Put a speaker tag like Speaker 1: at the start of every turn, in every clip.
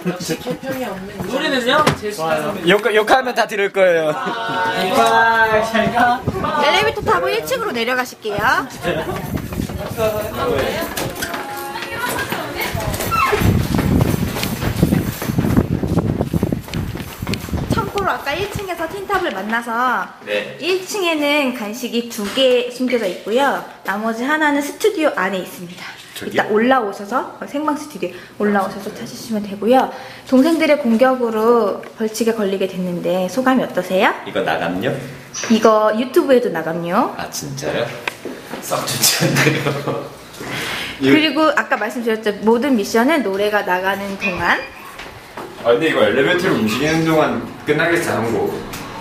Speaker 1: 역시 개평이 없는 소리는요?
Speaker 2: 욕하면 다 들을 거예요.
Speaker 3: 잘가. 엘리베이터 타고 1층으로 내려가실게요. 참고로 아까 1층에서 틴탑을 만나서
Speaker 2: 네.
Speaker 3: 1층에는 간식이 2개 숨겨져 있고요. 나머지 하나는 스튜디오 안에 있습니다. 이따 올라오셔서 생방 스튜디오 올라오셔서 찾으시면 되고요. 동생들의 공격으로 벌칙에 걸리게 됐는데 소감이 어떠세요?
Speaker 2: 이거 나갔냐?
Speaker 3: 이거 유튜브에도 나감요.
Speaker 2: 아 진짜요? 썩 좋지 않네요.
Speaker 3: 그리고 아까 말씀드렸죠. 모든 미션은 노래가 나가는 동안.
Speaker 2: 아 근데 이거 엘리베이터를 움직이는 동안 끝나겠어 한 거.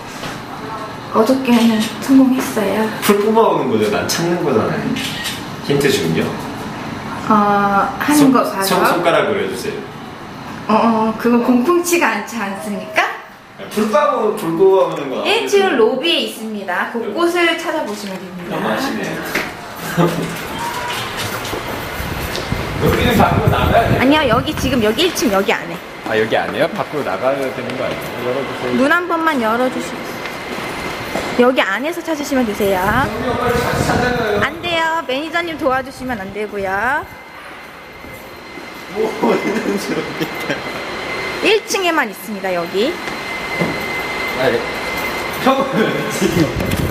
Speaker 3: 어저께는 성공했어요.
Speaker 2: 풀 뽑아오는 거죠. 난 찾는 거잖아요. 힌트 준요?
Speaker 3: 하는 거 봐서.
Speaker 2: 손가락으로 해주세요.
Speaker 3: 그건 공풍치가 않지 않습니까?
Speaker 2: 불 뽑아오는 거.
Speaker 3: 1층 로비에 있습니다. 곳곳을 찾아보시면 됩니다.
Speaker 2: 너무 아시네요. 여기는 밖으로 나가야 돼.
Speaker 3: 아니요, 여기 지금 여기 1층 여기 안에.
Speaker 2: 아 여기 아니에요? 밖으로 나가야 되는 거 아니에요? 열어주세요.
Speaker 3: 문 한 번만 열어주시겠어요? 여기 안에서 찾으시면 되세요. 안 돼요. 매니저님 도와주시면 안 되고요. 1층에만 있습니다. 여기.
Speaker 2: 아니, 형은 지금.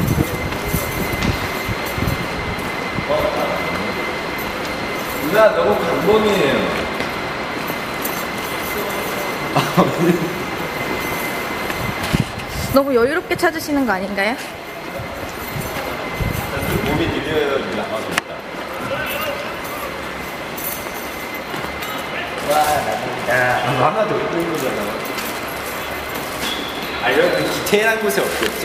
Speaker 2: 누나 너무 강범이에요.
Speaker 3: 너무 여유롭게 찾으시는 거 아닌가요?
Speaker 2: 몸이 느려요. 나가고 있다. 와, 하나 더 있는 거잖아. 아, 이런 디테일한 곳에 없겠죠?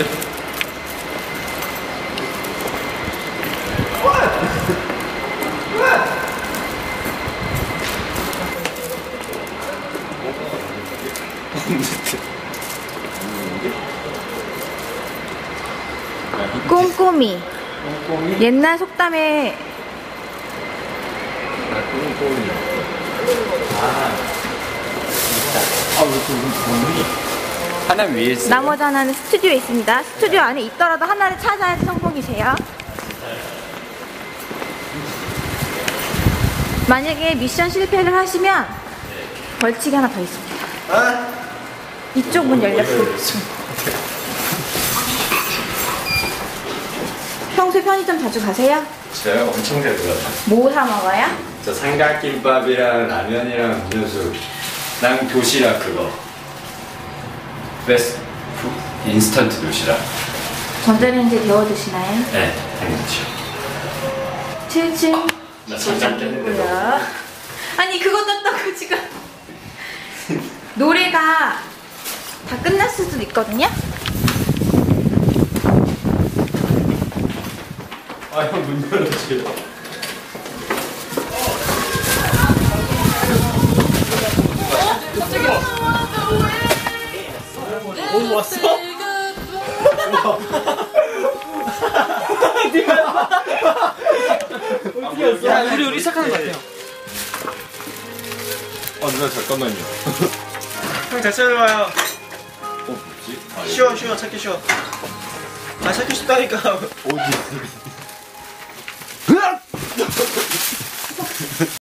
Speaker 3: 꼼꼼히.
Speaker 2: 꼼꼼히?
Speaker 3: 옛날 속담에
Speaker 2: 꼼꼼히. 하나 위에 있어요?
Speaker 3: 나머지 하나는 스튜디오에 있습니다. 스튜디오 안에 있더라도 하나를 찾아야지 성공이세요. 만약에 미션 실패를 하시면 벌칙이 하나 더 있습니다. 이쪽 문 열렸어요. 평소에 편의점 자주 가세요?
Speaker 2: 저요? 엄청 잘 들어요.
Speaker 3: 뭐 사 먹어요?
Speaker 2: 저 삼각김밥이랑 라면이랑 음료수, 난 도시락 그거. 베스트 인스턴트 도시락.
Speaker 3: 전자레인지에 데워 드시나요?
Speaker 2: 네, 당연하죠.
Speaker 3: 7층
Speaker 2: 나 잠깐 깼는데.
Speaker 3: 고요. 아니 그거 떴다고 지금 노래가 다 끝났을 수도 있거든요?
Speaker 2: 아, 형 문 열어주세요. 오, 왔어? 어떻게 왔어?
Speaker 1: 야, 우리 시작하는 것 같아요.
Speaker 2: 누나 잠깐만요.
Speaker 4: 형 잘 찾아와요.
Speaker 2: 뭐지?
Speaker 4: 쉬워 찾기 쉬워. 찾기 쉽다니까.
Speaker 2: 어디 있어?